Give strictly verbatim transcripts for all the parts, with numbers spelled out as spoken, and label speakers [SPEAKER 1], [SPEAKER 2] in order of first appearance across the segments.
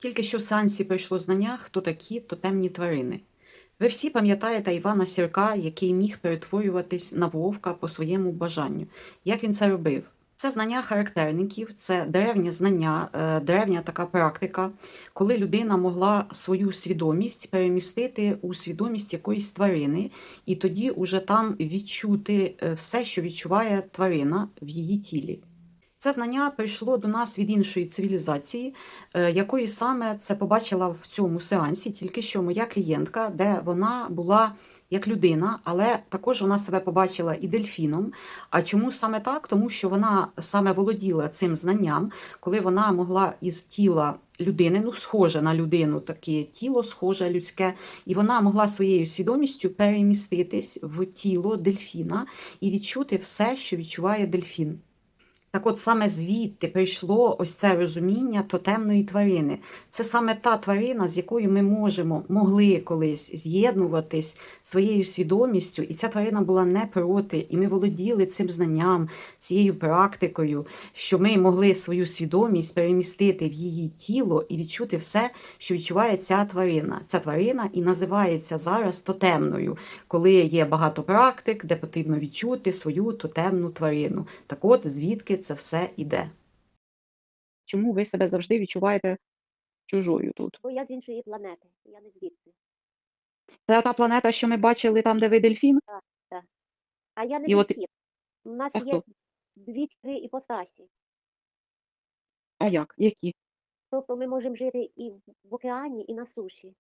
[SPEAKER 1] Тільки що в сеансі прийшло знання, хто такі тотемні тварини. Ви всі пам'ятаєте Івана Сірка, який міг перетворюватись на вовка по своєму бажанню. Як він це робив? Це знання характерників, це древнє знання, е, древня така практика, коли людина могла свою свідомість перемістити у свідомість якоїсь тварини, і тоді уже там відчути е, все, що відчуває тварина в її тілі. Це знання прийшло до нас від іншої цивілізації, е, якої саме це побачила в цьому сеансі, тільки що моя клієнтка, де вона була як людина, але також вона себе побачила і дельфіном. А чому саме так? Тому що вона саме володіла цим знанням, коли вона могла із тіла людини, ну, схоже на людину, таке тіло схоже людське, і вона могла своєю свідомістю переміститись в тіло дельфіна і відчути все, що відчуває дельфін. Так от саме звідти прийшло ось це розуміння тотемної тварини. Це саме та тварина, з якою ми можемо, могли колись з'єднуватись своєю свідомістю, і ця тварина була не проти, і ми володіли цим знанням, цією практикою, що ми могли свою свідомість перемістити в її тіло і відчути все, що відчуває ця тварина. Ця тварина і називається зараз тотемною, коли є багато практик, де потрібно відчути свою тотемну тварину. Так от, звідки це все іде.
[SPEAKER 2] Чому ви себе завжди відчуваєте чужою тут?
[SPEAKER 3] Бо я з іншої планети, я не звідси.
[SPEAKER 2] Це та планета, що ми бачили там, де ви дельфін?
[SPEAKER 3] Так, так. А я не
[SPEAKER 2] І от
[SPEAKER 3] дельфін. У нас
[SPEAKER 2] а
[SPEAKER 3] є
[SPEAKER 2] хто?
[SPEAKER 3] дві-три іпостасі.
[SPEAKER 2] А як? Які?
[SPEAKER 3] Тобто ми можемо жити і в в океані, і на суші.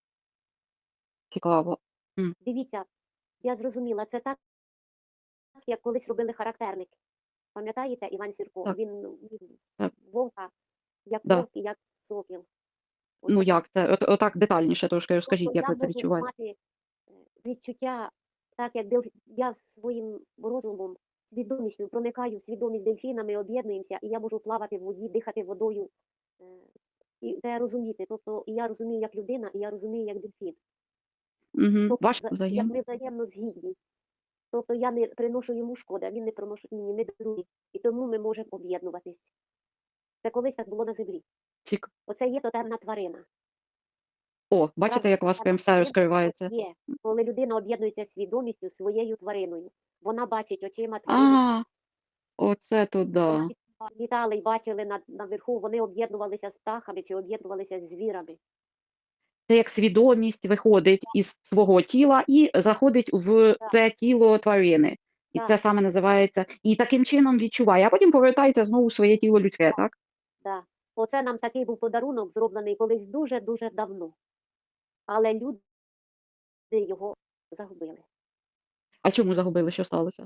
[SPEAKER 2] Цікаво. М,
[SPEAKER 3] Дивіться, я зрозуміла, це так, як колись робили характерники. Пам'ятаєте, Іван Сірко?
[SPEAKER 2] так,
[SPEAKER 3] Він ну, він
[SPEAKER 2] так,
[SPEAKER 3] вовка, як
[SPEAKER 2] да.
[SPEAKER 3] вовк і як сокіл.
[SPEAKER 2] Ну
[SPEAKER 3] Оце так.
[SPEAKER 2] як це? От отак детальніше трошки
[SPEAKER 3] Тобто
[SPEAKER 2] розкажіть, як
[SPEAKER 3] я
[SPEAKER 2] ви це
[SPEAKER 3] можу
[SPEAKER 2] відчуваєте?
[SPEAKER 3] мати е, відчуття, так як дельф... я своїм розумом, свідомістю проникаю в свідомість дельфіна, ми об'єднуємося, і я можу плавати в воді, дихати водою. е, І це розуміти. Тобто і я розумію як людина, і я розумію як дельфін.
[SPEAKER 2] Мгм.
[SPEAKER 3] Тобто,
[SPEAKER 2] Ваш
[SPEAKER 3] за- як
[SPEAKER 2] взаєм
[SPEAKER 3] ми взаємно згідні. Тобто я не приношу йому шкоди, а він не приносить мені, ми друзі. І тому ми можемо об'єднуватись. Це колись так було на землі.
[SPEAKER 2] цік
[SPEAKER 3] Оце є тотемна тварина.
[SPEAKER 2] О, бачите,
[SPEAKER 3] Справжня
[SPEAKER 2] як у вас
[SPEAKER 3] тотемна
[SPEAKER 2] прям все
[SPEAKER 3] тварина
[SPEAKER 2] розкривається.
[SPEAKER 3] це є, коли людина об'єднується свідомістю своєю твариною. Вона бачить очима тварини.
[SPEAKER 2] А, оце
[SPEAKER 3] Вона
[SPEAKER 2] туди.
[SPEAKER 3] літали і бачили на, наверху, вони об'єднувалися з птахами чи об'єднувалися з звірами.
[SPEAKER 2] Це як свідомість виходить із свого тіла і заходить в
[SPEAKER 3] Так,
[SPEAKER 2] те тіло тварини. І
[SPEAKER 3] так,
[SPEAKER 2] це саме називається і таким чином відчуває, а потім повертається знову в своє тіло людське,
[SPEAKER 3] так,
[SPEAKER 2] так?
[SPEAKER 3] так. Оце нам такий був подарунок, зроблений колись дуже-дуже давно. Але люди його загубили.
[SPEAKER 2] А чому загубили? Що сталося?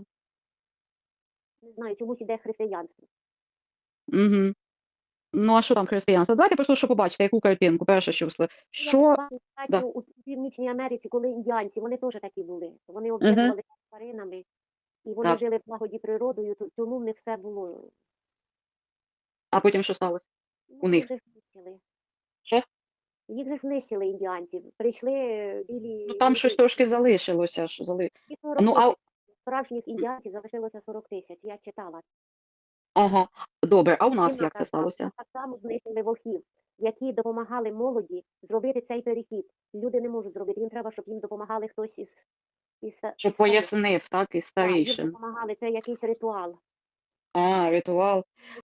[SPEAKER 3] Не знаю, чомусь іде християнство.
[SPEAKER 2] Угу. Ну, а що там християнство? Давайте просто що побачите, яку картинку, перше, що всли.
[SPEAKER 3] Я
[SPEAKER 2] Що?
[SPEAKER 3] бачу
[SPEAKER 2] Да.
[SPEAKER 3] у Північній Америці, коли індіанці, вони теж такі були. Вони
[SPEAKER 2] Угу.
[SPEAKER 3] об'єднувалися з тваринами, і вони
[SPEAKER 2] Так.
[SPEAKER 3] жили в злагоді природою, то- тому в них все було.
[SPEAKER 2] А потім що сталося у
[SPEAKER 3] Ну, їх
[SPEAKER 2] них?
[SPEAKER 3] же знищили.
[SPEAKER 2] Що?
[SPEAKER 3] Їх же знищили індіанців. Прийшли е,
[SPEAKER 2] Ну
[SPEAKER 3] білі
[SPEAKER 2] там щось
[SPEAKER 3] люди.
[SPEAKER 2] трошки залишилося. Ж, зали...
[SPEAKER 3] І сорок
[SPEAKER 2] Ну, а
[SPEAKER 3] тисяч. Справжніх індіанців залишилося сорок тисяч. Я читала.
[SPEAKER 2] ага, добре, а у нас
[SPEAKER 3] Кіна
[SPEAKER 2] як це
[SPEAKER 3] казала, нас
[SPEAKER 2] сталося?
[SPEAKER 3] так само знищили вовків, які допомагали молоді зробити цей перехід. Люди не можуть зробити. Їм треба, щоб їм допомагали хтось із, із, із
[SPEAKER 2] Щоб
[SPEAKER 3] старих.
[SPEAKER 2] пояснив, так, і
[SPEAKER 3] Так, їм
[SPEAKER 2] старішим.
[SPEAKER 3] допомагали. Це якийсь ритуал.
[SPEAKER 2] А, ритуал.